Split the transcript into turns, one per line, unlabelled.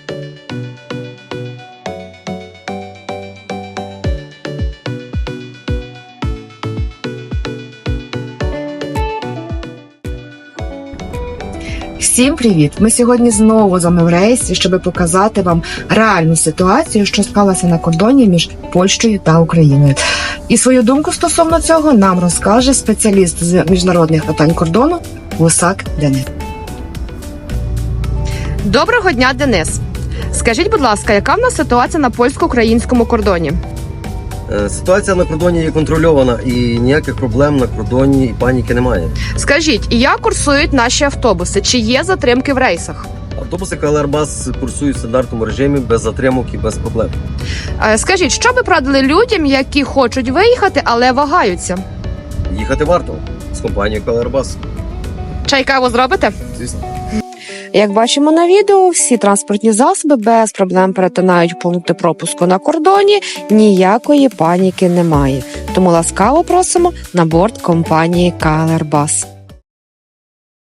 Всім привіт! Ми сьогодні знову з вами в рейсі, щоб показати вам реальну ситуацію, що склалася на кордоні між Польщею та Україною. І свою думку стосовно цього нам розкаже спеціаліст з міжнародних питань кордону Гусак Денис.
Доброго дня, Денис. Скажіть, будь ласка, яка в нас ситуація на польсько-українському кордоні?
Ситуація на кордоні є контрольована і ніяких проблем на кордоні і паніки немає.
Скажіть, як курсують наші автобуси? Чи є затримки в рейсах?
Автобуси КЛР-Бас курсують в стандартному режимі, без затримок і без проблем.
Скажіть, що би порадили людям, які хочуть виїхати, але вагаються?
Їхати варто з компанією КЛР-Бас.
Чай, каву зробите?
Звісно.
Як бачимо на відео, всі транспортні засоби без проблем перетинають пункти пропуску на кордоні, ніякої паніки немає. Тому ласкаво просимо на борт компанії КЛР-Бас.